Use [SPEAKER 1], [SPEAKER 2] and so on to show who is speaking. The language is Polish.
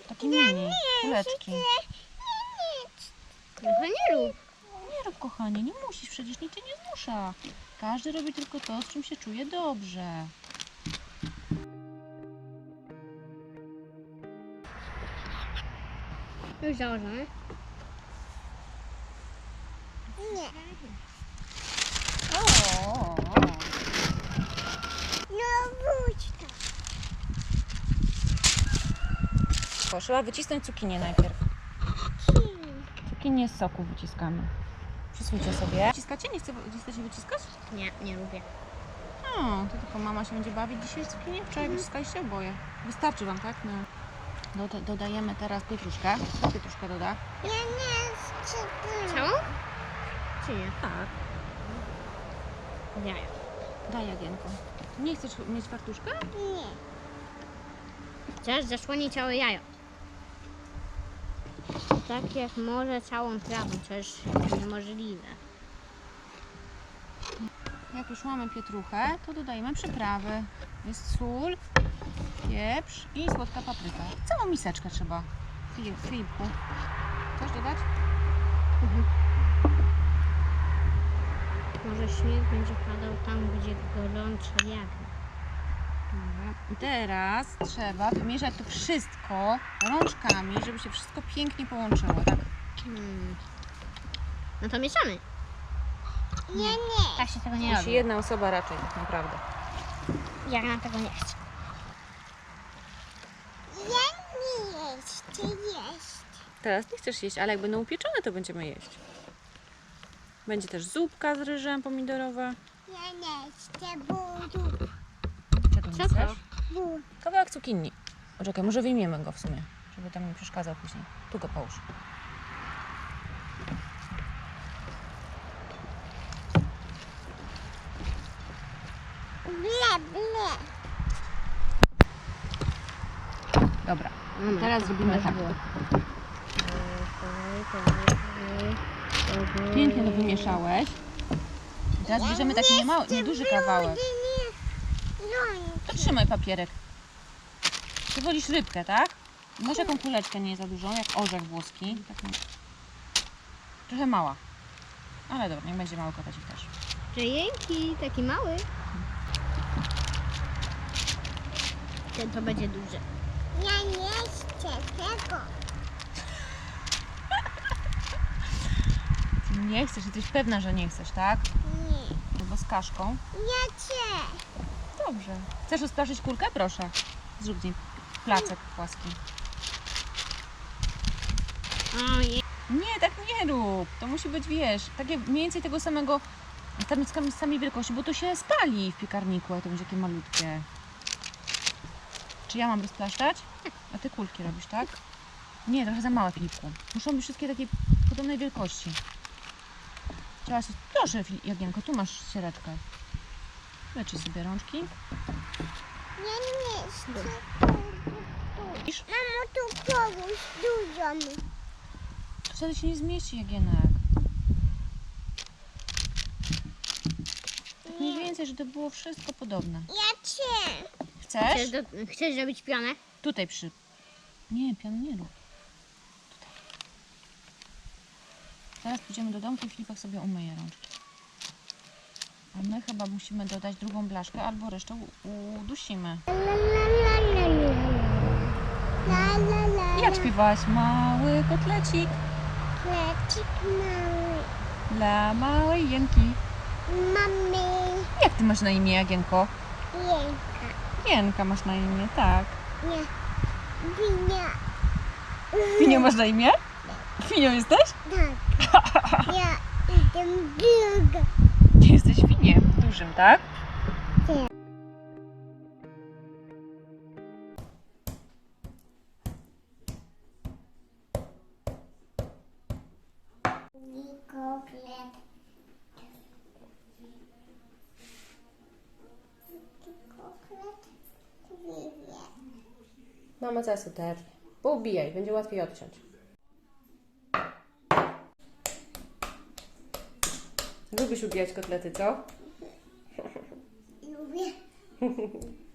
[SPEAKER 1] Taki mini, kuleczki.
[SPEAKER 2] Trochę nie rób.
[SPEAKER 1] Nie rób, kochanie, nie musisz, przecież nikt cię nie zmusza. Każdy robi tylko to, z czym się czuje dobrze.
[SPEAKER 2] Już założone?
[SPEAKER 3] Nie.
[SPEAKER 1] O.
[SPEAKER 3] No wróć to.
[SPEAKER 1] Trzeba wycisnąć cukinię najpierw. Cukinię z soku wyciskamy. Przysłuchajcie sobie. Wyciskacie? Nie chcecie wyciskać?
[SPEAKER 2] Nie, nie lubię.
[SPEAKER 1] O, to tylko mama się będzie bawić dzisiaj z cukinię. Wczoraj wyciskaliście oboje. Wystarczy wam, tak? No. Dodajemy teraz pietruszkę. Pietruszkę doda.
[SPEAKER 3] Ja nie chcę.
[SPEAKER 2] Całą? Czy nie?
[SPEAKER 1] Tak.
[SPEAKER 2] Jaja.
[SPEAKER 1] Daj, Jagienko. Nie chcesz mieć fartuszka?
[SPEAKER 3] Nie.
[SPEAKER 2] Chcesz zasłonić całe jajo. Tak jak może całą trawę, to jest niemożliwe.
[SPEAKER 1] Jak już mamy pietruchę, to dodajemy przyprawy. Jest sól, pieprz i słodka papryka. Całą miseczkę trzeba. Filipku. Chcesz dodać?
[SPEAKER 2] Może śnieg będzie padał tam, gdzie gorąco wiatr.
[SPEAKER 1] Dobra. I teraz trzeba wymieszać to wszystko rączkami, żeby się wszystko pięknie połączyło, tak?
[SPEAKER 2] No to mieszamy.
[SPEAKER 3] Nie.
[SPEAKER 2] Tak się tego nie
[SPEAKER 1] Musi
[SPEAKER 2] robi.
[SPEAKER 1] jedna osoba raczej, tak naprawdę.
[SPEAKER 2] Ja na tego nie chcę.
[SPEAKER 3] Ja nie chcę jeść.
[SPEAKER 1] Teraz nie chcesz jeść, ale jak będą upieczone, to będziemy jeść. Będzie też zupka z ryżem pomidorowa.
[SPEAKER 3] Ja nie chcę budu.
[SPEAKER 1] Czego nie
[SPEAKER 2] Co to?
[SPEAKER 1] chcesz?
[SPEAKER 3] Bu.
[SPEAKER 1] Kawałek cukinii. Poczekaj, może wyjmiemy go w sumie, żeby tam nie przeszkadzał później. Tu go połóż.
[SPEAKER 3] Ble.
[SPEAKER 1] Dobra, teraz zrobimy tak. Pięknie to wymieszałeś. I teraz bierzemy taki nieduży kawałek. To trzymaj papierek. Ty wolisz rybkę, tak? Masz jaką kuleczkę nie za dużą, jak orzech włoski. Taką... Trochę mała. Ale dobra, niech będzie mały kotacik też.
[SPEAKER 2] Dzięki, taki mały. Ten to będzie duży.
[SPEAKER 3] Ja nie chcę tego.
[SPEAKER 1] Ty nie chcesz, jesteś pewna, że nie chcesz, tak?
[SPEAKER 3] Nie.
[SPEAKER 1] Albo z kaszką.
[SPEAKER 3] Ja chcę.
[SPEAKER 1] Dobrze. Chcesz rozpraszyć kulkę? Proszę. Zrób z niej placek płaski.
[SPEAKER 2] Ojej.
[SPEAKER 1] Nie, tak nie rób. To musi być, wiesz, takie mniej więcej tego samego, tam z samej wielkości, bo to się spali w piekarniku, a to będzie takie malutkie. Czy ja mam rozplaszczać? A ty kulki robisz, tak? Nie, trochę za małe, Filipku. Muszą być wszystkie takiej podobnej wielkości. Trzeba się... Proszę, Jagienko, tu masz ściereczkę. Leczy sobie rączki.
[SPEAKER 3] Ja nie chcę.
[SPEAKER 1] Widzisz?
[SPEAKER 3] Mamo, tu kogoś dużo.
[SPEAKER 1] To wtedy się nie zmieści, Jagienek. Tak mniej więcej, żeby to było wszystko podobne.
[SPEAKER 3] Ja chcę.
[SPEAKER 1] Chcesz?
[SPEAKER 2] Chcesz zrobić pionę?
[SPEAKER 1] Tutaj przy... Nie, pianu nie rób. Tutaj. Teraz pójdziemy do domku i Filipek sobie umyje rączki. A my chyba musimy dodać drugą blaszkę, albo resztę udusimy. Jak śpiewałaś? Mały kotlecik
[SPEAKER 3] Klecik mały.
[SPEAKER 1] dla małej Jenki.
[SPEAKER 3] Mamy.
[SPEAKER 1] Jak ty masz na imię, Jagienko?
[SPEAKER 3] Jęka.
[SPEAKER 1] Jenka masz na imię, tak.
[SPEAKER 3] Nie. Winia.
[SPEAKER 1] Finio masz na imię? Finio jesteś?
[SPEAKER 3] Tak. Ja idę druga.
[SPEAKER 1] Jesteś finiem dużym, tak?
[SPEAKER 3] Koklet. Koklet.
[SPEAKER 1] Mama zaraz uternie. Poubijaj, będzie łatwiej odciąć. Lubisz ubijać kotlety, co?
[SPEAKER 3] Lubię.